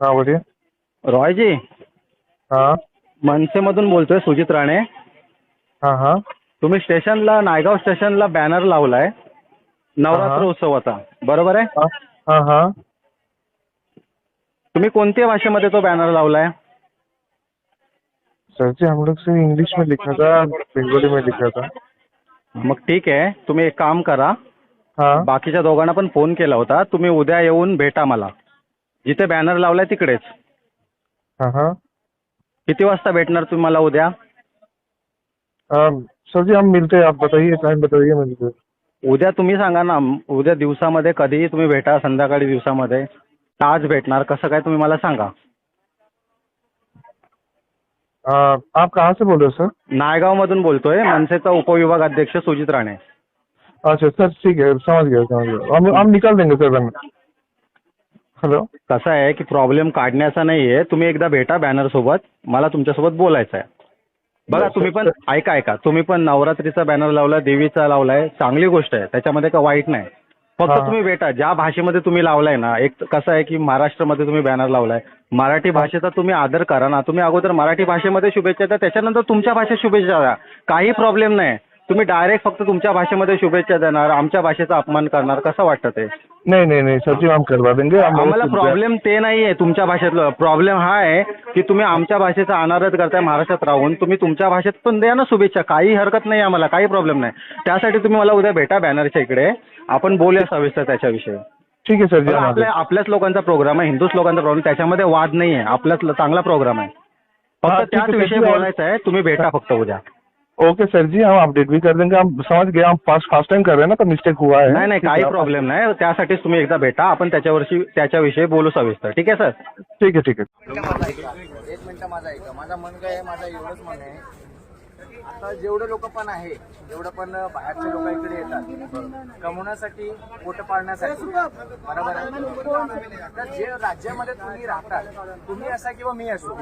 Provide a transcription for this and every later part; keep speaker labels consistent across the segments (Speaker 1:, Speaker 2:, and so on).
Speaker 1: हाँ बोलिए।
Speaker 2: रॉय जी,
Speaker 1: हाँ
Speaker 2: मनसेमधून बोलतोय, सुजित राणे.
Speaker 1: हाँ हाँ
Speaker 2: तुम्ही स्टेशनला, नायगाव स्टेशनला बॅनर लावलाय नवरात्र उत्सवाचा, बरोबर आहे?
Speaker 1: हाँ हाँ हाँ।
Speaker 2: तुम्ही कोणत्या भाषेमध्ये तो बॅनर लावलाय?
Speaker 1: सर जी हम लोग से इंग्लिश में लिखा था, बंगाली में लिखा था।
Speaker 2: मग ठीक आहे, तुम्ही एक काम करा,
Speaker 1: हाँ
Speaker 2: बाकीच्या दोघांना पण फोन केला होता, तुम्ही उद्या येऊन भेटा मला, जिथे बॅनर लावलाय तिकडेच.
Speaker 1: हाँ हाँ।
Speaker 2: किती वाजता भेटणार तुम्ही मला उद्या?
Speaker 1: सर जी हम मिलते हैं, आप बताइए टाइम बताइए मुझे।
Speaker 2: उद्या तुम्ही सांगा ना, उद्या दिवसामध्ये कधीही तुम्ही भेटा, संध्याकाळी दिवसामध्ये, आज भेटणार कसं काय तुम्ही मला सांगा.
Speaker 1: आप कहाँ से बोल रहे हो सर?
Speaker 2: नायगावमधून बोलतोय, मनसेचा उपविभाग अध्यक्ष सुजित राणे.
Speaker 1: अच्छा सर, ठीक है, समझ गया। हम निकाल देंगे सर बॅनर. हॅलो.
Speaker 2: कसं आहे की प्रॉब्लेम काढण्याचा नाहीये, तुम्ही एकदा भेटा बॅनर सोबत, मला तुमच्यासोबत बोलायचं आहे. बघा तुम्ही पण ऐका, तुम्ही पण नवरात्रीचा बॅनर लावलाय, देवीचा लावलाय, चांगली गोष्ट आहे, त्याच्यामध्ये का वाईट नाही. फक्त तुम्ही भेटा, ज्या भाषेमध्ये तुम्ही लावलाय ना, एक कसं आहे की महाराष्ट्रामध्ये तुम्ही बॅनर लावलाय, मराठी भाषेचा तुम्ही आदर करा ना. तुम्ही अगोदर मराठी भाषेमध्ये शुभेच्छा द्या, त्याच्यानंतर तुमच्या भाषेत शुभेच्छा द्या, काही प्रॉब्लेम नाही. तुम्ही डायरेक्ट फक्त तुमच्या भाषेमध्ये शुभेच्छा देणार, आमच्या भाषेचा अपमान करणार, कसं वाटतं ते?
Speaker 1: नहीं सर जी हम करवा देंगे.
Speaker 2: आम्हाला प्रॉब्लेम ते नाहीये तुमच्या भाषेतलं, प्रॉब्लेम हा आहे की तुम्ही आमच्या भाषेचा अनादर करताय महाराष्ट्रात राहून. तुम्ही तुमच्या भाषेत पण द्या ना शुभेच्छा, काही हरकत नाही, आम्हाला काही प्रॉब्लेम नाही. त्यासाठी तुम्ही मला उद्या भेटा बॅनरच्या इकडे, आपण बोलूया सविस्तर त्याच्याविषयी.
Speaker 1: ठीक आहे सर जी.
Speaker 2: आपल्याच लोकांचा प्रोग्राम आहे, हिंदूच लोकांचा प्रोग्राम, त्याच्यामध्ये वाद नाहीये, आपल्याच चांगला प्रोग्राम आहे, फक्त त्याच विषयी बोलायचं आहे. तुम्ही भेटा फक्त उद्या.
Speaker 1: ओके सर जी, हम अपडेट भी कर देंगे. हम समझ गए, हम फर्स्ट टाइम कर रहे हैं ना, तो मिस्टेक हुआ है.
Speaker 2: नाही काही प्रॉब्लेम नाही, त्यासाठीच तुम्ही एकदा भेटा, आपण त्याच्याविषयी बोलू सविस्तर. ठीक आहे सर?
Speaker 1: ठीक आहे.
Speaker 3: एक मिनिट माझा ऐका. माझा मन काय आहे, माझा एवढंच मन आहे, आता जेवढे लोक पण आहे, जेवढं पण बाहेरचे लोक इकडे येतात कमवण्यासाठी, पोट पाळण्यासाठी, बरोबर आहे. तर जे राज्यामध्ये तुम्ही राहतात, तुम्ही असा किंवा मी असो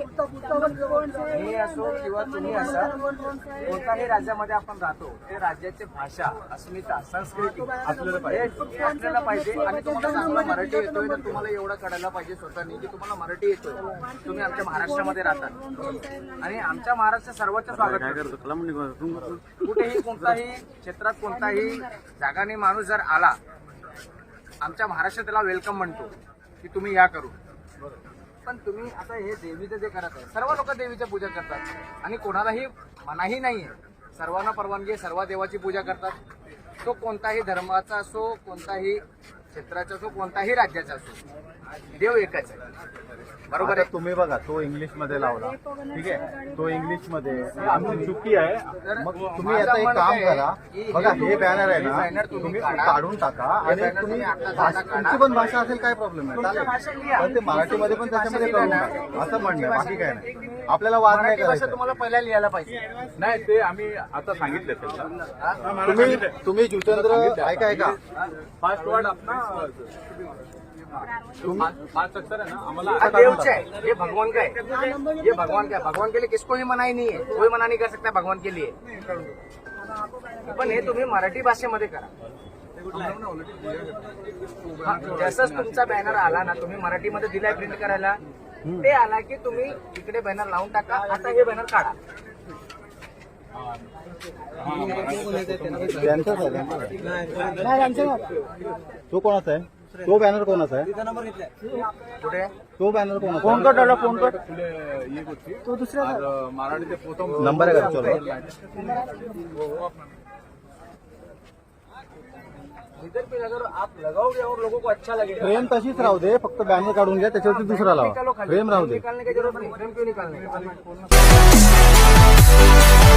Speaker 3: किंवा तुम्ही असा, कोणत्याही राज्यामध्ये आपण राहतो, ते राज्याची भाषा, अस्मिता, संस्कृती आपल्याला पाहिजे. आणि तुम्हाला चांगला मराठी येतोय तर तुम्हाला एवढं कळायला पाहिजे स्वतःनी की तुम्हाला मराठी येतोय, तुम्ही आमच्या महाराष्ट्रामध्ये राहतात आणि आमच्या महाराष्ट्रात सर्वोच्च स्वागत. कुठेही कोणताही क्षेत्रात कोणताही जागाने माणूस जर आला, आमच्या महाराष्ट्रात त्याला वेलकम म्हणतो की तुम्ही या करू. पण तुम्ही आता हे देवीचं जे करत आहे, सर्व लोक देवीची पूजा करतात आणि कोणालाही मनाही नाहीये, सर्वांना परवानगी आहे, सर्व देवाची पूजा करतात. तो कोणताही धर्माचा असो, कोणताही क्षेत्राचा असो, कोणताही राज्याचा असो, देव एकच आहे, बरोबर आहे.
Speaker 4: तुम्ही बघा, तो इंग्लिश मध्ये लावला, ठीक आहे, तो इंग्लिश मध्ये, आमची चुकी आहे. मग तुम्ही आता एक काम करा, बघा हे बॅनर आहे ना, तुम्ही काढून टाका आणि तुम्ही तुमची पण भाषा असेल, काय प्रॉब्लेम आहे, चालेल, पण ते मराठीमध्ये पण त्याच्यामध्ये करून टाका, असं म्हणणं, बाकी काय नाही. आपल्याला वाद नाही करायचा.
Speaker 3: तुम्हाला पहिला लिहायला पाहिजे.
Speaker 5: नाही, ते आम्ही आता सांगितले.
Speaker 4: तुम्ही जुचंद्र ऐका
Speaker 5: फास्ट वर्ड अपना पांच अक्षर है ना, हमारा
Speaker 3: देवच है, ये भगवान का है, ये भगवान का है. भगवान के लिए किसको भी मनाई नहीं है, कोई मना नहीं कर सकता भगवान के लिए. पण हे तुम्ही मराठी भाषेमध्ये करा. जसंच तुमचा बॅनर आला ना, तुम्ही मराठीमध्ये दिलाय प्रिंट करायला, ते आला की तुम्ही इकडे बॅनर लावून टाका. आता हे बॅनर काढा.
Speaker 4: तो कोणाचा आहे? तो बॅनर कोणाचा आहे?
Speaker 3: कुठे
Speaker 4: तो बॅनर कोणाचा?
Speaker 3: फोन कर डाला, फोन कर.
Speaker 5: ये कुछ तो दूसरा मराठी प्रथम
Speaker 4: नंबर आहे का? चलो
Speaker 3: इधर पे अगर आप लगाओगे और लोगों को अच्छा लगेगा.
Speaker 4: फ्रेम तशीच राहू दे, फक्त बॅनर काढून घ्या, त्याच्यावरती दुसरा लावा. फ्रेम राहू दे.
Speaker 3: निकालने की जरूरत नहीं, फ्रेम क्यों निकालने.